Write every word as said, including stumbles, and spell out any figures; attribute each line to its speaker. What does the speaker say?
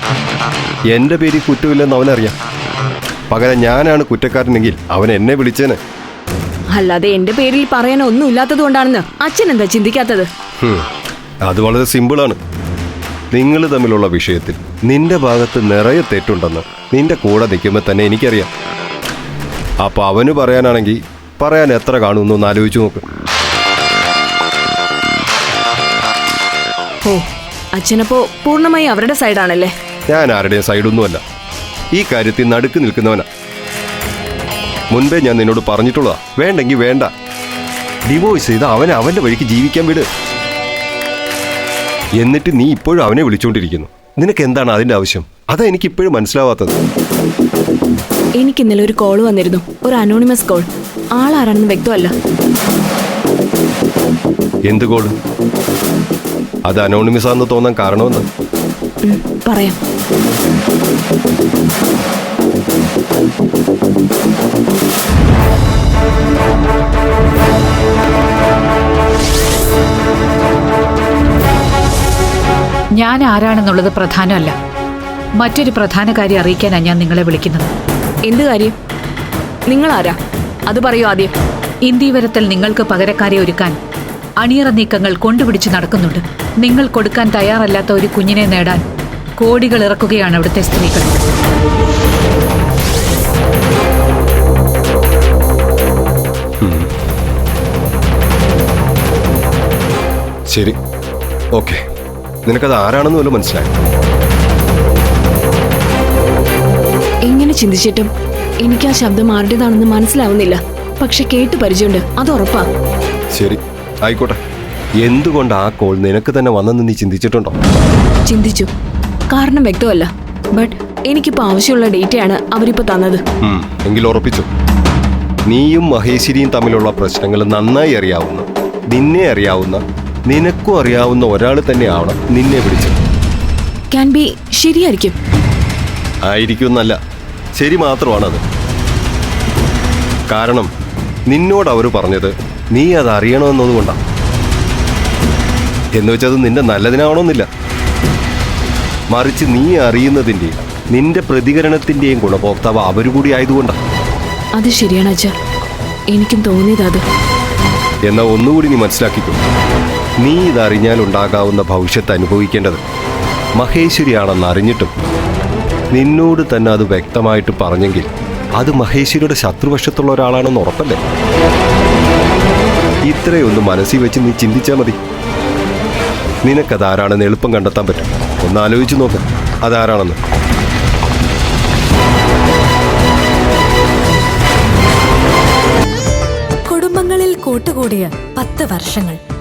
Speaker 1: എൻ്റെ പേരിൽ കുറ്റമില്ലെന്ന് അവനറിയാം. പകരം ഞാനാണ് കുറ്റക്കാരനെങ്കിൽ അവൻ എന്നെ വിളിച്ചേനെ.
Speaker 2: അല്ലാതെ എന്റെ പേരിൽ പറയാൻ ഒന്നും ഇല്ലാത്തത് കൊണ്ടാണെന്ന് അച്ഛൻ എന്താ ചിന്തിക്കാത്തത്?
Speaker 1: അത് വളരെ സിമ്പിളാണ്. നിങ്ങൾ തമ്മിലുള്ള വിഷയത്തിൽ നിന്റെ ഭാഗത്ത് നിറയെ തെറ്റുണ്ടെന്ന് നിന്റെ കൂടെ നിൽക്കുമ്പോൾ തന്നെ എനിക്കറിയാം. അപ്പൊ അവന് പറയാനാണെങ്കിൽ പറയാൻ എത്ര കാണുമെന്നൊന്ന് ആലോചിച്ചു നോക്ക്.
Speaker 2: ഓ, അച്ഛനപ്പോ പൂർണ്ണമായി അവരുടെ സൈഡാണല്ലേ?
Speaker 1: ഞാൻ ആരുടെയും സൈഡൊന്നുമല്ല. ഈ കാര്യത്തിൽ നടുക്ക് നിൽക്കുന്നവനാ. മുൻപേ ഞാൻ നിന്നോട് പറഞ്ഞിട്ടുള്ളതാ, വേണ്ടെങ്കിൽ വേണ്ട, ഡിവോഴ്സ് ചെയ്ത് അവനെ അവന്റെ വഴിക്ക് ജീവിക്കാൻ വിട്. എന്നിട്ട് നീ ഇപ്പോഴും അവനെ വിളിച്ചോണ്ടിരിക്കുന്നു. നിനക്ക് എന്താണ് അതിന്റെ ആവശ്യം? അതാ എനിക്ക് ഇപ്പോഴും മനസ്സിലാവാത്തത്.
Speaker 2: എനിക്ക് ഇന്നലെ ഒരു കോൾ വന്നിരുന്നു, ഒരു അനോണിമസ് കോൾ. ആളാരാണെന്ന് വ്യക്തമല്ല.
Speaker 1: എന്ത് കോള്? അത് അനോണിമസ് ആണെന്ന് തോന്നാൻ കാരണമെന്ന്
Speaker 2: പറയാം.
Speaker 3: ഞാൻ ആരാണെന്നുള്ളത് പ്രധാനമല്ല. മറ്റൊരു പ്രധാന കാര്യം അറിയിക്കാനാണ് ഞാൻ നിങ്ങളെ വിളിക്കുന്നത്.
Speaker 2: എന്ത് കാര്യം? നിങ്ങൾ ആരാ? അത് പറയൂ ആദ്യം.
Speaker 3: ഇന്ത്യവരത്തിൽ നിങ്ങൾക്ക് പകരക്കാരെ ഒരുക്കാൻ അണിയറ നീക്കങ്ങൾ കൊണ്ടുപിടിച്ച് നടക്കുന്നുണ്ട്. നിങ്ങൾ കൊടുക്കാൻ തയ്യാറല്ലാത്ത ഒരു കുഞ്ഞിനെ നേടാൻ കോടികൾ ഇറക്കുകയാണ് അവിടുത്തെ സ്ത്രീകൾ.
Speaker 1: ശരി, ഓക്കെ. നിനക്കത് ആരാണെന്ന് പോലും മനസ്സിലായി.
Speaker 2: എങ്ങനെ ചിന്തിച്ചിട്ടും എനിക്ക് ആ ശബ്ദം ആരുടേതാണെന്ന് മനസ്സിലാവുന്നില്ല. പക്ഷെ കേട്ട് പരിചയമുണ്ട്, അത് ഉറപ്പാ.
Speaker 1: ശരി, ആയിക്കോട്ടെ. എന്തുകൊണ്ട് ആ കോൾ നിനക്ക് തന്നെ വന്നെന്ന് നീ ചിന്തിച്ചിട്ടുണ്ടോ?
Speaker 2: ചിന്തിച്ചു. കാരണം വ്യക്തമല്ല. ബട്ട് എനിക്കിപ്പോ ആവശ്യമുള്ള ഡേറ്റയാണ് അവരിപ്പോ തന്നത്.
Speaker 1: എങ്കിൽ ഉറപ്പിച്ചു. നീയും മഹേശ്വരിയും തമ്മിലുള്ള പ്രശ്നങ്ങൾ നന്നായി അറിയാവുന്ന, നിന്നെ അറിയാവുന്ന, നിനക്കും അറിയാവുന്ന ഒരാൾ തന്നെയാവണം നിന്നെ വിളിച്ചത്.
Speaker 2: ക്യാൻ ബി ശരിയായിരിക്കും.
Speaker 1: ആയിരിക്കും എന്നല്ല, ശരി മാത്രമാണത്. കാരണം നിന്നോട് അവർ പറഞ്ഞത് നീ അത് അറിയണമെന്നതുകൊണ്ടാണ്. എന്ന് വെച്ചത് നിന്റെ നല്ലതിനാവണമെന്നില്ല. മറിച്ച് നീ അറിയുന്നതിൻ്റെയും നിന്റെ പ്രതികരണത്തിൻ്റെയും ഗുണഭോക്താവ് അവരുകൂടി ആയതുകൊണ്ടാണ്.
Speaker 2: അത് ശരിയാണ് അച്ഛാ, എനിക്കും തോന്നിയത് അത്.
Speaker 1: എന്നാൽ ഒന്നുകൂടി നീ മനസ്സിലാക്കിക്കോ. നീ ഇതറിഞ്ഞാൽ ഉണ്ടാകാവുന്ന ഭവിഷ്യത്ത് അനുഭവിക്കേണ്ടത് മഹേശ്വരിയാണെന്ന് അറിഞ്ഞിട്ടും നിന്നോട് തന്നെ അത് വ്യക്തമായിട്ട് പറഞ്ഞെങ്കിൽ അത് മഹേശ്വരിയുടെ ശത്രുപക്ഷത്തുള്ള ഒരാളാണെന്ന് ഉറപ്പല്ലേ? ഇത്രയൊന്ന് മനസ്സിൽ വെച്ച് നീ ചിന്തിച്ചാൽ മതി. നിനക്കതാരാണെന്ന് എളുപ്പം കണ്ടെത്താൻ പറ്റും. ഒന്ന് ആലോചിച്ച് നോക്ക് അതാരാണെന്ന്.
Speaker 4: കുടുംബങ്ങളിൽ കൂട്ടുകൂടിയ പത്ത് വർഷങ്ങൾ.